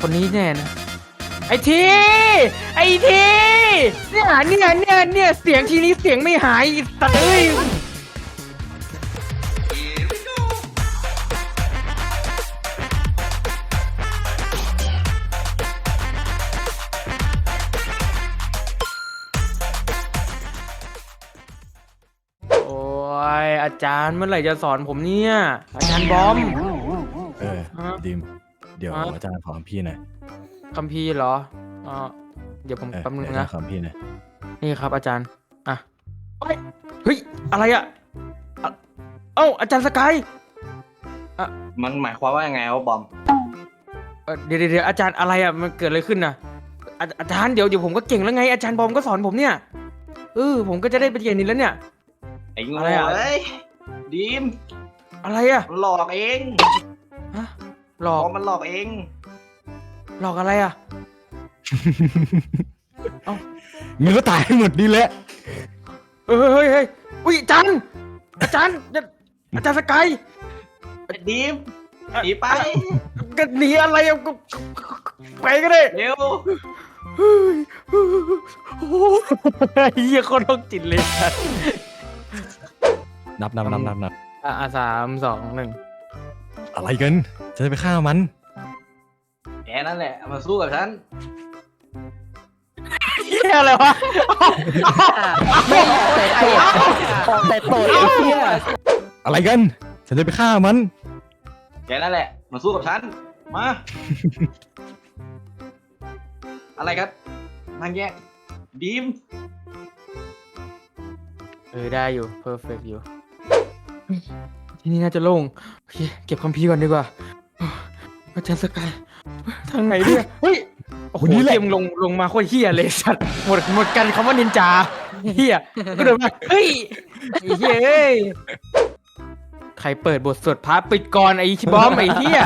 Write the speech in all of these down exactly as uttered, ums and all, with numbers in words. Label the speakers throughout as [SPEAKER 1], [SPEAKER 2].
[SPEAKER 1] คนนี้แน่นะไอ้ทีไอ้ทีเนี่ยเนี่ยเนี่ยเนี่ยเสียงทีนี้เสียงไม่หายตัดเอ้ยโอ้ยอาจารย์เมื่อไหร่จะสอนผมเนี่ยอาจารย์บอม
[SPEAKER 2] เออดิมเดี๋ยวอาจารย์ขอพี่หน่อย
[SPEAKER 1] คัมภีร์เหรออ๋อเดี๋ยวผมแป๊บนึงนะ
[SPEAKER 2] ขอพี่หน่อย
[SPEAKER 1] นี่ครับอาจารย์อ่ะเฮ้ยอะไรอ่ะเอ้าอาจารย์สกายอ่ะ
[SPEAKER 3] มันหมายความว่ายังไงวะบอม
[SPEAKER 1] เดี๋ยวเดี๋ยวอาจารย์อะไรอ่ะมันเกิดอะไรขึ้นน่ะอาจารย์เดี๋ยวเดี๋ยวผมก็เก่งแล้วไงอาจารย์บอมก็สอนผมเนี่ยเออผมก็จะได้เป็นเก่งนี่แล้วเนี่ย
[SPEAKER 3] ไอ้โง่เอ้ยดิม
[SPEAKER 1] อะไรอ่ะ
[SPEAKER 3] หลอกเอง
[SPEAKER 1] ฮะหลอก
[SPEAKER 3] มันหลอกเอง
[SPEAKER 1] หลอกอะไรอ่ะเอ้า
[SPEAKER 2] มึงก็ตายหมดนี่แหละ
[SPEAKER 1] เฮ้ยเฮ้ยเฮ้ยอุ้ยอาจารย์อาจารย์อาจารย์สกาย
[SPEAKER 3] ดิมหนีไป
[SPEAKER 1] ก็หนีอะไรอ่ะไปก็ได้
[SPEAKER 3] เร็ว
[SPEAKER 1] โอ้ยยี่คนโรคจิตเลย
[SPEAKER 2] นับนับนับนับนับ
[SPEAKER 1] อ่ะสามสองหนึ่ง
[SPEAKER 2] อะไรกันจะไปฆ่ามัน
[SPEAKER 3] แกนั่นแหละมาสู้กับฉัน
[SPEAKER 1] เฮียอะไรวะ
[SPEAKER 2] แต่โตไอ้เฮียอะไรกันฉันจะไปฆ่ามัน
[SPEAKER 3] แกนั่นแหละมาสู้กับฉันมาอะไรกันนางแยกดีม
[SPEAKER 1] เออได้อยู่เพอร์เฟกต์อยู่ที่นี่น่าจะโล่งโอเคเก็บคัมภีร์ก่อนดีกว่าอาจารย์สกายทางไหนเนี่ยเฮ้ยโอ้โหเกมลงลงมาโคตรเฮียเลยสัตว์หมดหมดกันคำว่านินจาเฮียก็เดินมาเฮ้ยไอ้เฮียเอ้ยใครเปิดบทสวดพระปิดก่อนไอ้ชิบอมไอ้เฮีย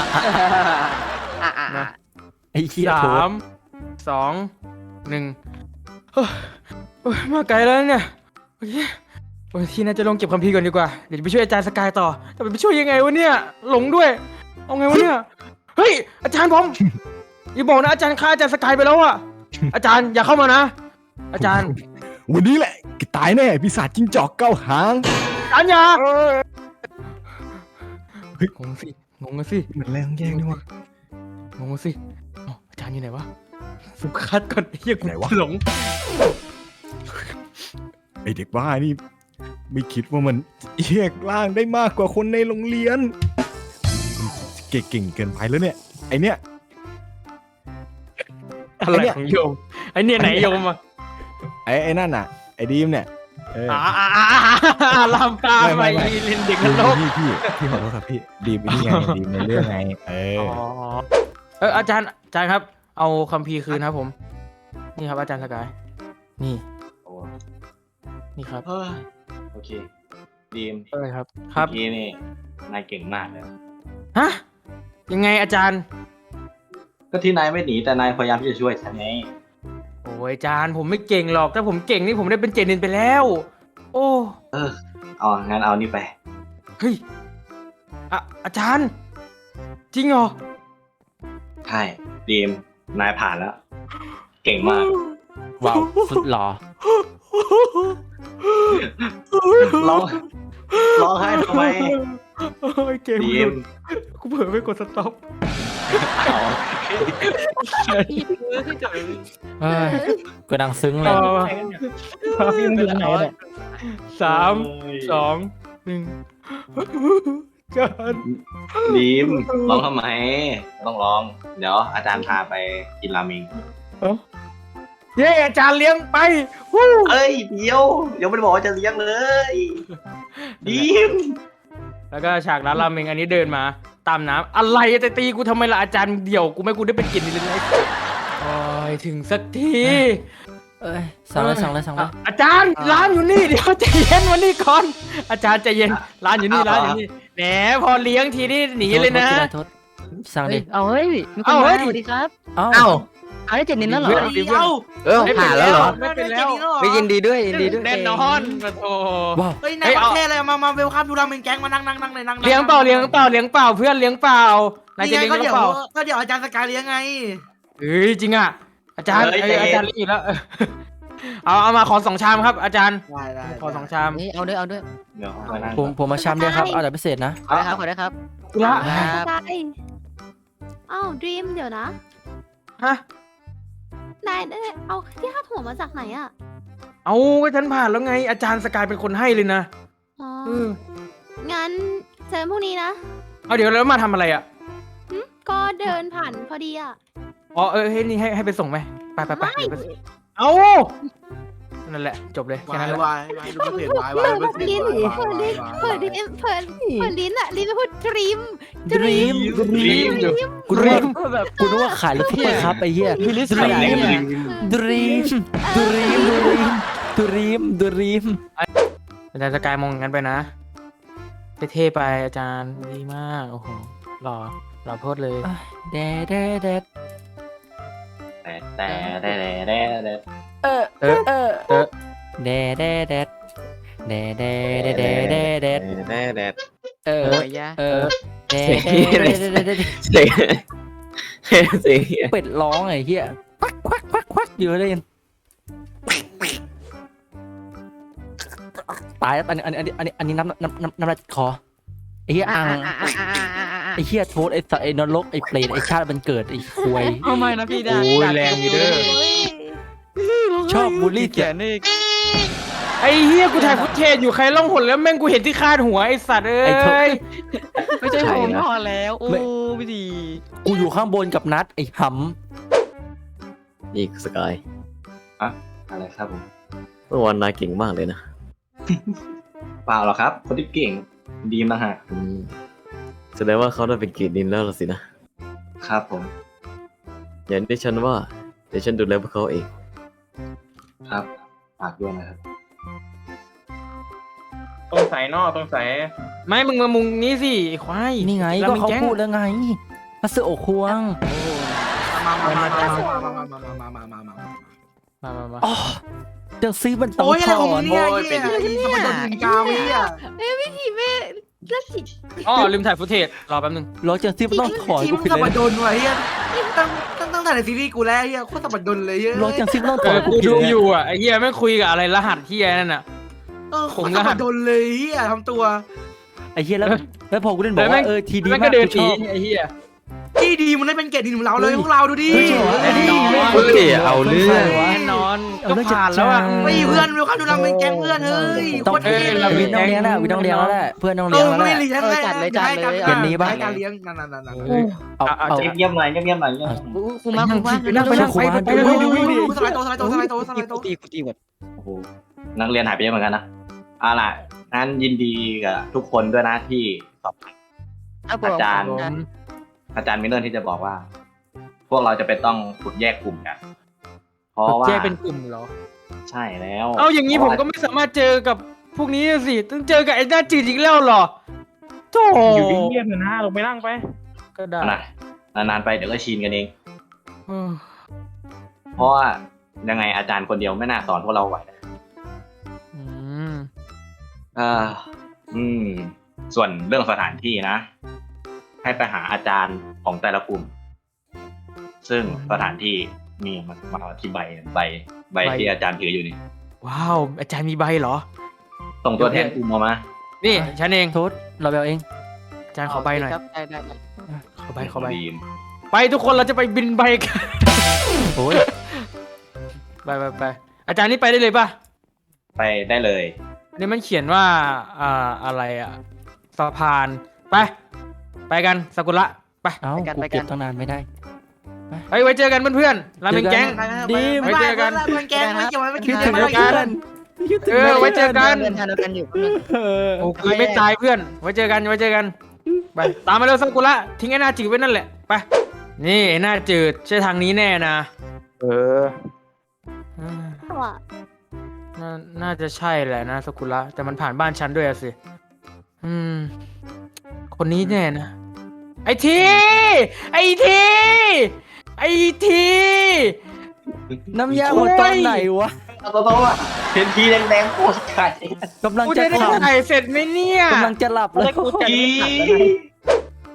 [SPEAKER 1] นะ
[SPEAKER 2] ไอ้เฮีย
[SPEAKER 1] สามสองหนึ่งมาไกลแล้วเนี่ยโอเคโอ้ยที่น่าจะลงเก็บคัมภีร์ก่อนดีกว่าเดี๋ยวจะไปช่วยอาจารย์สกายต่อแต่ไปช่วยยังไงวะเนี่ยหลงด้วยเอาไงวะเนี่ยเฮ้ยอาจารย์ผมอย่าบอกนะอาจารย์ฆ่าอาจารย์สกายไปแล้วอะอาจารย์อย่าเข้ามานะอาจารย์
[SPEAKER 2] วันนี้แหละตายแน่ปีศาจจิ้งจอกเก้าหาง
[SPEAKER 1] อาจารย์อย่าเฮ้ยงงสิงงสิ
[SPEAKER 2] เหมือนแรงแย่งด้วยวะ
[SPEAKER 1] งงสิอาจารย์อยู่ไหนวะสุขัดก่อนเฮียกูหลง
[SPEAKER 2] ไอเด็กบ้านี่ไม่คิดว่ามันแยกร่างได้มากกว่าคนในโรงเรียนเก่งเกินไปแล้วเนี่ยไอเนี้ย
[SPEAKER 1] อะไรของโยมไอเนี่ยไหนโยมอ่ะ
[SPEAKER 2] ไอไอนั่นน่ะไอดีมเนี่ย
[SPEAKER 1] อ่าลำตาไปเล่นเด็กนรก
[SPEAKER 2] พี่พี่พี่ขอโทษครับพี่ดีมนี่ไงดีมในเรื่องไงเออ
[SPEAKER 1] เอออาจารย์อาจารย์ครับเอาคัมภีร์คืนครับผมนี่ครับอาจารย์สกายนี่นี่ครับ
[SPEAKER 3] โอเคดีม
[SPEAKER 1] อะไรครับครับ
[SPEAKER 3] พี่นี่นายเก่งมากเลย
[SPEAKER 1] ฮะยังไงอาจารย์
[SPEAKER 3] ก็ที่นายไม่หนีแต่นายพยายามที่จะช่วยฉันไง
[SPEAKER 1] โอ้ยอาจารย์ผมไม่เก่งหรอกถ้าผมเก่งนี่ผมได้เป็นเจนินไปแล้วโอ้
[SPEAKER 3] เออเอางั้นเอานี่ไป
[SPEAKER 1] เฮ้ยอะอาจารย์จริงเหรอ
[SPEAKER 3] ใช่ดีมนายผ่านแล้วเก่งมาก
[SPEAKER 1] ว้าวสุดหล่อ
[SPEAKER 3] ร้องร้องไห้ทำไม
[SPEAKER 1] เกมดีมกูเผลอไปกดสต็อป
[SPEAKER 4] ก็ดังซึ้งเลย
[SPEAKER 1] ฟิล์มอยู่ไหนเนี่ยสามสองหนึ่งกัน
[SPEAKER 3] ดีมร้องทำไมต้องร้องเดี๋ยวอาจารย์พาไปกินราเมง
[SPEAKER 1] เย้อาจารย์เลี้ยงไป
[SPEAKER 3] เอ้ยเดี๋ยวเดี๋ยวไม่ได้บอกว่าจะเลี้ยงเลยดีม
[SPEAKER 1] แล้วก็ฉากร้านราเมงอันนี้เดินมาตามน้ำอะไรจะตีกูทำไมล่ะอาจารย์เดี่ยวกูไม่กูได้เป็นกินเลยเลยโอ้ยถึงสักที
[SPEAKER 4] เอ้ยสั่งเลยสั่งเลยสั่งเลย
[SPEAKER 1] อาจารย์ร้านอยู่นี่เดี๋ยวใจเย็นวันนี้ก่อนอาจารย์ใจเย็นร้านอยู่นี่ร้านอยู่นี่แหมพอเลี้ยงทีนี่หนีเลยนะ
[SPEAKER 4] สั่งดิ
[SPEAKER 5] เอาเฮ้ยมีคนมาสวัสดีครับ
[SPEAKER 4] เอ้า
[SPEAKER 5] เอาได้เจ็ดนิดแล้วเหรอ
[SPEAKER 4] เออผ่านแล้วเหรอ
[SPEAKER 1] ไม่เป็นแล้ว
[SPEAKER 4] ไม่ยินดีด้วยยินดีด้วย
[SPEAKER 1] แน่นอนมาโท
[SPEAKER 6] เฮ้ยนายประเทศอะไรมามาเวลคัมทูราเมงแก๊งมานั่งนั่งนั่งเลยนั่ง
[SPEAKER 1] เลี้ยงเปล่าเลี้ยงเปล่าเลี้ยงเปล่าเพื่อนเลี้ยงเปล่านายจะ
[SPEAKER 6] นี่
[SPEAKER 1] เลี้ยง
[SPEAKER 6] ไงก็
[SPEAKER 1] หรื
[SPEAKER 6] เดี๋
[SPEAKER 1] อ
[SPEAKER 6] ยว
[SPEAKER 1] เปล่า
[SPEAKER 6] ก็เดี๋ยวอาจารย์สกายเลี้ยงไง
[SPEAKER 1] เฮ้ยจริงอ่ะอาจารย์
[SPEAKER 3] เฮ้ย
[SPEAKER 1] เอ้ย
[SPEAKER 3] ใจเย็น
[SPEAKER 1] อาจารย์เลี้ยงอีกแล้วเออเอาเอามาขอสองชามครับ อาจารย์
[SPEAKER 6] ได้ได้
[SPEAKER 1] ขอสองชาม
[SPEAKER 5] นี่เอาด้วยเอาด้วย
[SPEAKER 3] เดี๋ยวมานั่ง
[SPEAKER 4] ผมผมมาชามเดียวครับเอาแต่พิเศษนะ
[SPEAKER 5] ขอได้ครับขอได้ครับ
[SPEAKER 1] กุละ
[SPEAKER 5] ครับ
[SPEAKER 7] สกายอ้าวดรีมเดี๋ยวนะ
[SPEAKER 1] ฮะ
[SPEAKER 7] นายได้เอาที่คาดหัวมาจากไหนอะ
[SPEAKER 1] เอาก็ฉันผ่านแล้วไง อาจารย์สกายเป็นคนให้เลยนะ
[SPEAKER 7] อ๋อ
[SPEAKER 1] เออ
[SPEAKER 7] งั้นเจอพรุ่งนี้นะ
[SPEAKER 1] เอาเดี๋ยวแล้วมาทำอะไรอ่ะ
[SPEAKER 7] หึก็เดินผ่านพอดีอะ
[SPEAKER 1] อ๋อเออเฮ้ยนี่ให้ให้ไปส่งไหมไปไปไป
[SPEAKER 7] ไม่
[SPEAKER 1] เดี๋ยวไปส่งเอานั่นแหละจบเลยแค่
[SPEAKER 6] วา
[SPEAKER 1] นั้น
[SPEAKER 6] ย
[SPEAKER 1] แหละ
[SPEAKER 6] วายวายดูมันเสียวายวายมันเสีย
[SPEAKER 7] ลิ้น
[SPEAKER 6] วาย
[SPEAKER 7] เปิดลิ้น
[SPEAKER 6] วาย
[SPEAKER 7] เปิดลิ้นเปิดเปิดลิ้นอะลิ้นไม่พูดดรีม
[SPEAKER 4] Dream
[SPEAKER 1] รีมอยู่
[SPEAKER 4] กูนึกว่าแบบกูนึกว่าขายรถซุปเปอร์คัพไอ้เหี้ย
[SPEAKER 1] มีลิสต์
[SPEAKER 4] Dream
[SPEAKER 1] ขายเนี่ย
[SPEAKER 4] Dream Dream Dream Dream Dream
[SPEAKER 1] อาจารย์สกายมองงั้นไปนะเท่ๆไปอาจารย์ดีมากโอ้โหหล่อหล่อโพดเลย
[SPEAKER 4] แดดแดดแดด
[SPEAKER 3] แต่แต่แต่แต่แต่
[SPEAKER 4] เออ
[SPEAKER 1] เออ
[SPEAKER 4] เออ
[SPEAKER 1] เออ
[SPEAKER 4] แดดแดดแดดแดดแดดแดดแดดแดด
[SPEAKER 3] แต่แต่
[SPEAKER 4] เออ
[SPEAKER 5] โอ้ยยะ
[SPEAKER 4] เออแดดแดดแดดแดด
[SPEAKER 3] เสียงเสียง
[SPEAKER 4] เป็ดร้องไอ้เหี้ยควักควักควักควักอยู่เลยตายแล้วอันนี้อันนี้อันนี้อันนี้น้ำน้ำน้ำน้ำลายคอไอ้เหี้ยอังไอ้เหี้ยโทษไอ้สัตว์ไอ้นรกไอ้เปรตไอ้ชาติมันเกิดไอ้ควย
[SPEAKER 5] เอาไม่นะพี่ดา
[SPEAKER 1] โอ้ยแรงอยู่เด้อ
[SPEAKER 4] ชอบบูลลี่
[SPEAKER 5] แข
[SPEAKER 4] เกียร
[SPEAKER 5] นนี่
[SPEAKER 1] ไอ้เฮียกูถ่ายฟุตเทจอยู่ใครล่องหนแล้วแม่งกูเห็นที่คาดหัวไอ้สัตว์เอ้ย
[SPEAKER 5] ไม่ใช่ผมพอแล้วโอ้พี่ดี
[SPEAKER 4] กูอยู่ข้างบนกับนัดไอ้ห
[SPEAKER 8] นี่สกาย
[SPEAKER 3] อะไรครับผม
[SPEAKER 8] เมื่อวานนายเก่งมากเลยนะ
[SPEAKER 3] เปล่าหรอกครับ คนที่เก่งดีมนะฮะ
[SPEAKER 8] อืมแสดงว่าเขาได้เป็นเกียรติดินแล้วล่ะสินะ
[SPEAKER 3] ครับผม
[SPEAKER 8] อย่างที่ฉันว่าเดี๋ยวฉันดูแลพวกเขาเอง
[SPEAKER 3] ครับฝากด้วยนะครับ
[SPEAKER 1] ตรงใสนอกตรงใสไม่มึงมามุงนี้สิไอ้ควาย
[SPEAKER 4] ำนี่ไงก็เขาพูดแล้วไงมาเสือโอควง
[SPEAKER 6] มามามามามามามามามามามามา
[SPEAKER 1] มามามา
[SPEAKER 4] อ๋อเดี๋ยวซีมันต้อง
[SPEAKER 6] โอ้ยอะไรของ
[SPEAKER 4] ถ
[SPEAKER 6] มึ
[SPEAKER 4] อน
[SPEAKER 6] งเนี่ยไอ้เหี้ยไอ้สมบัติถึงกาวไอ้เหี้ย
[SPEAKER 7] เอ้ยวิธีแม่ละจิต
[SPEAKER 1] อ๋อลืมถ่ายฟุตเทจรอแป๊บนึง
[SPEAKER 4] รอเจอซีมันต้องถอน
[SPEAKER 6] ที
[SPEAKER 4] กู
[SPEAKER 6] ม
[SPEAKER 4] ผิด
[SPEAKER 6] สม
[SPEAKER 4] เล
[SPEAKER 6] บั
[SPEAKER 4] ย
[SPEAKER 6] ติโดนว่ะไอ้เหี้ยตั้งตั้งตั้งแต่ในซีรีส์กูแล้วไอ้เหี้ยโคตรสมบัติโดนเลยเหี้ย
[SPEAKER 4] รอเจอซีมันต้อง
[SPEAKER 1] เอ
[SPEAKER 4] ถอน
[SPEAKER 1] อ
[SPEAKER 4] กู
[SPEAKER 1] กู
[SPEAKER 4] ผิด
[SPEAKER 1] ดู
[SPEAKER 4] เลย
[SPEAKER 1] อยู่อ่ะไอ้เฮียแม่งคุยกับอะไรรหัสที่ไอ้นั่นอ่ะ
[SPEAKER 6] เออโคตรสมบัติโดนเลยเหี้ยทำตัว
[SPEAKER 4] ไอ้เหี้ยแล้วแล้วพอกูเล่นบอกว่าเออทีดี
[SPEAKER 1] แม่ง
[SPEAKER 4] มา
[SPEAKER 1] ก็
[SPEAKER 4] ก
[SPEAKER 1] เดิน
[SPEAKER 4] กู
[SPEAKER 1] ห
[SPEAKER 4] ช
[SPEAKER 1] นี
[SPEAKER 4] อบ
[SPEAKER 1] ไอ้เฮีย
[SPEAKER 6] ที่ดีมันได้เป็นเกียรติดีของเราเลยพวกเราดูดิ
[SPEAKER 4] เฮ้ยจริงเหรอ
[SPEAKER 1] แน่นอน
[SPEAKER 8] เฮ้ยเอาเรื่อง
[SPEAKER 1] แน่นอนก็ผ่านแล้วอ่ะ
[SPEAKER 6] เฮ้ยเพื่อนเวลคัมดูเราเป็นแก๊งเพื่อนเฮ้ย
[SPEAKER 4] ต้อง
[SPEAKER 6] โคตรเท่
[SPEAKER 1] เอ้ย
[SPEAKER 6] เล
[SPEAKER 1] เรา
[SPEAKER 6] ย
[SPEAKER 4] วินต้องเลี้ยงแล้ววินต้องเลี้ยงแล้วแหละเพื่อนต้อง
[SPEAKER 6] เอ
[SPEAKER 4] เลี้ยง
[SPEAKER 6] อ
[SPEAKER 4] แล้ว
[SPEAKER 6] ไม่
[SPEAKER 4] แหละ
[SPEAKER 6] เลี้ยงแล้วให้การ
[SPEAKER 4] เย็นนี้ปะ
[SPEAKER 6] ให้การเลี้ยงนั่นนั่นนั่นนั่น
[SPEAKER 4] เอาเอา
[SPEAKER 3] เงียบๆหน่อยเงียบๆหน่อยเงียบ
[SPEAKER 5] ครูมาครูมา
[SPEAKER 1] ไปนั่งไปนั่งไปไปไป
[SPEAKER 6] ดู
[SPEAKER 1] ดู
[SPEAKER 6] ดู
[SPEAKER 1] ดู
[SPEAKER 6] ดู
[SPEAKER 1] ดู
[SPEAKER 6] ดูสไลด์โตสไลด์โตสไลด์โตสไลด์โต
[SPEAKER 5] ตีกูตีหมด
[SPEAKER 3] ๆโอ้โหนักเรียนหายไปเยอะเหมือนกันนะเอาล่ะงั้นยินดีกับทุกคนด้วยนะที่สอบ อาจารย์ อาจารย์มีเรื่องที่จะบอกว่า พวกเราจะเป็นต้องขุดแยกกลุ่มกัน เพราะว่า
[SPEAKER 1] แยกเป็นกลุ่มเหรอ
[SPEAKER 3] ใช่แล้ว
[SPEAKER 1] เอาอย่างนี้ผมก็ไม่สามารถเจอกับพวกนี้สิต้องเจอกับไอ้หน้าจืดอีกแล้วเหรอโธ่อยู่เงียบๆเถอะนะลงไปนั่งไปก็ได้
[SPEAKER 3] นะนานๆไปเดี๋ยวก็ชินกันเอง
[SPEAKER 1] เออ
[SPEAKER 3] เพราะว่ายังไงอาจารย์คนเดียวไม่น่าสอนพวกเราไหวนะ
[SPEAKER 1] อืม
[SPEAKER 3] อ่าอืม ส่วนเรื่องสถานที่นะ ให้ไปหาอาจารย์ของแต่ละกลุ่ม ซึ่งสถานที่มีมันมาที่ใบใบใบที่อาจารย์ถืออยู่นี่
[SPEAKER 1] ว้าวอาจารย์มีใบเหรอ
[SPEAKER 3] ส่งตัวแทนกลุ่มออกมา
[SPEAKER 1] นี่ฉันเอง
[SPEAKER 4] โทษเราเบลเอง
[SPEAKER 1] อาจารย์ขอใบหน่อย
[SPEAKER 5] ครับได้ได้
[SPEAKER 1] ขอใบขอใบ
[SPEAKER 3] ดีม
[SPEAKER 1] ไปทุกคนเราจะไปบินใบกัน
[SPEAKER 4] โอ้ย
[SPEAKER 1] ไปไปไปอาจารย์นี่ไปได้เลยป่ะ
[SPEAKER 3] ไปได้เลย
[SPEAKER 1] นี่มันเขียนว่าอ่าอะไรอะสะพานไปไปกันสกุละไป
[SPEAKER 4] เอ้ากูเก็บตั้งนานไม่ได้
[SPEAKER 1] เฮ้ยไว้เจอกันเพื่อนๆราเมงแก๊ง ไว้เจอกัน
[SPEAKER 6] มันแก๊งไม่เกี่ยวไม่
[SPEAKER 4] คิ
[SPEAKER 6] เกี่
[SPEAKER 4] ด
[SPEAKER 6] ยว
[SPEAKER 4] ถึง
[SPEAKER 6] ไม่
[SPEAKER 4] เพื่
[SPEAKER 6] เกี่
[SPEAKER 4] อย
[SPEAKER 6] วน
[SPEAKER 1] เออไว้เจอกัน
[SPEAKER 5] เดินทางเดียวกันอยู่
[SPEAKER 1] โอ้กูไม่ตายเพื่อน ไว้เจอกัน ไว้เจอกัน ไป ตามมาเร็วสักุระทิ้งไอ้หน้าจืดไว้นั่นแหละ ไป นี่ไอ้หน้าจืดใช่ทางนี้แน่นะ เออ
[SPEAKER 7] ว่ะ
[SPEAKER 1] น่าน่าจะใช่แหละนะสักุระ แต่มันผ่านบ้านฉันด้วยอะสิ อืม คนนี้แน่นะ ไอที ไอที ไอที
[SPEAKER 4] น้ำยาหมดตอนไหนวะ
[SPEAKER 3] เอาตัวๆอ่ะเห็นทีแดงๆโคตรไก่
[SPEAKER 4] กำลัง
[SPEAKER 1] กู
[SPEAKER 4] จะ
[SPEAKER 1] จะได้
[SPEAKER 4] ขับ
[SPEAKER 1] ถ่ายเสร็จไหมเนี่ย
[SPEAKER 4] กำลังจะหลับแล้ว
[SPEAKER 3] อี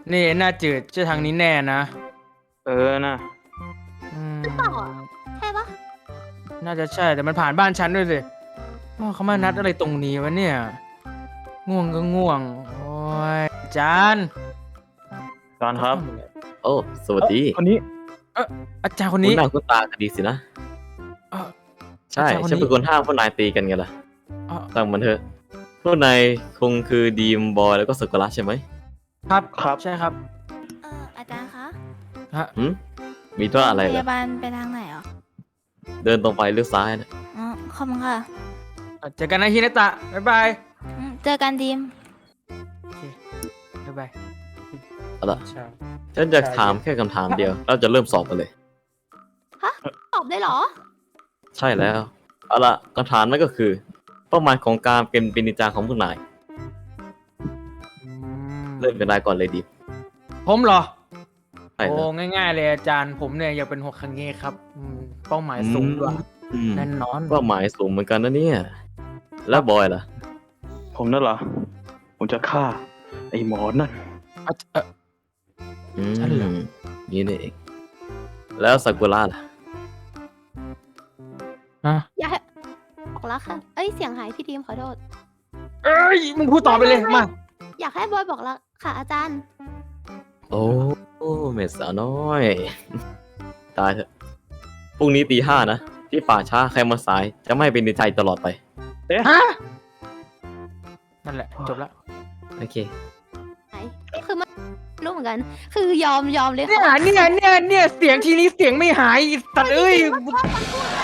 [SPEAKER 1] นี่หน้าจืดเจะทางนี้แน่นะ
[SPEAKER 5] เออนะ
[SPEAKER 1] อืม
[SPEAKER 7] เปล่าอ่ะใช่ปะ
[SPEAKER 1] น่าจะใช่แต่มันผ่านบ้านฉันด้วยสิอ้าวเขามานัดอะไรตรงนี้วะเนี่ย ง่วงก็ง่วง โอ้ยอาจารย์
[SPEAKER 5] จอนครับ
[SPEAKER 8] โอ้ สวัสดี
[SPEAKER 5] คนนี้
[SPEAKER 1] อาจารย์คน
[SPEAKER 8] คุณ
[SPEAKER 1] นี้
[SPEAKER 8] หน้าคุณตากันดีสินะ
[SPEAKER 1] เอ่อ
[SPEAKER 8] ใช่
[SPEAKER 1] อาจารย์คนนี้
[SPEAKER 8] ฉันเป็นคนห้ามพวกนายตีกันไงล่ะ
[SPEAKER 1] เอ่อ
[SPEAKER 8] ตั้งมันเถอะ พวกนายคงคือดีมบอยแล้วก็สกุระใช่ไหม
[SPEAKER 1] ครับ
[SPEAKER 5] ครับ
[SPEAKER 1] ใช่ครับ
[SPEAKER 9] เอออาจารย์คะ
[SPEAKER 1] ฮะ
[SPEAKER 8] หืมมีตัวอะไร
[SPEAKER 9] พ
[SPEAKER 8] เหรอ
[SPEAKER 9] ยาบาลไปทางไหนอ่ะ
[SPEAKER 8] เดินตรงไปเลี้ยวซ้ายนะ
[SPEAKER 9] อ๋อขอบคุณค่ะ
[SPEAKER 1] เจอกันนะฮินาตะ บ๊ายบาย
[SPEAKER 9] อืมเจอกันดีม
[SPEAKER 1] โอเค บ๊ายบาย
[SPEAKER 8] เอาล่ะ
[SPEAKER 1] ใช่
[SPEAKER 8] ฉันจะถามแค่คำถามเดียว เราจะเริ่มสอบกันเลย
[SPEAKER 7] ตอบได้เหรอ
[SPEAKER 8] ใช่แล้ว เอาล่ะคำถามนั่นก็คือ เป้าหมายของการเป็นปินิจาของพวกนาย
[SPEAKER 1] อืม
[SPEAKER 8] เริ่มเป็นนายก่อนเลยดี
[SPEAKER 1] ผมเหรอ
[SPEAKER 8] ใช่
[SPEAKER 1] โอ้
[SPEAKER 8] แล้ว
[SPEAKER 1] ง่ายๆเลยอาจารย์ ผมเนี่ยอยากเป็นหกคังเงะครับอืมเป้าหมายสูงด้วย
[SPEAKER 8] อืม
[SPEAKER 1] แน่นอน
[SPEAKER 8] เป้าหมายสูงเหมือนกันนะเนี่ย แล้วบอยล่ะ
[SPEAKER 5] ผมนั่นเหรอ ผมจะฆ่า ไอ้หมอนั่น
[SPEAKER 1] อ่ะเอ่อ
[SPEAKER 8] อืม
[SPEAKER 1] ฉันเหรอ
[SPEAKER 8] นี่นี่เอง แล้วซากุระล่ะ
[SPEAKER 1] ฮะ
[SPEAKER 7] อยากให้บอกรักค่ะ เอ้ยเสียงหายพี่ดีมขอโทษ
[SPEAKER 1] เอ้ย มึงพูดต่อไปเลย มา
[SPEAKER 7] อยากให้บอยบอกรักค่ะอาจารย์
[SPEAKER 8] โอ้โอ้เมดสาวน้อย ตายเถอะ พรุ่งนี้ตีห้านะ ที่ป่าช้าใครมาสาย จะไม่เป็นในใจตลอดไป
[SPEAKER 1] ฮะ นั่นแหละ จบแล้ว
[SPEAKER 8] โอเค
[SPEAKER 7] ไหนคือมันรู้เหมือนกัน คือยอมยอมเลย
[SPEAKER 1] เนี่ย
[SPEAKER 7] ค่ะ
[SPEAKER 1] เนี่ยเนี่ยเนี่ยเสียงทีนี้เสียงไม่หายไอ้สัตว์เอ้ย
[SPEAKER 7] ว่ามันพูดอะไร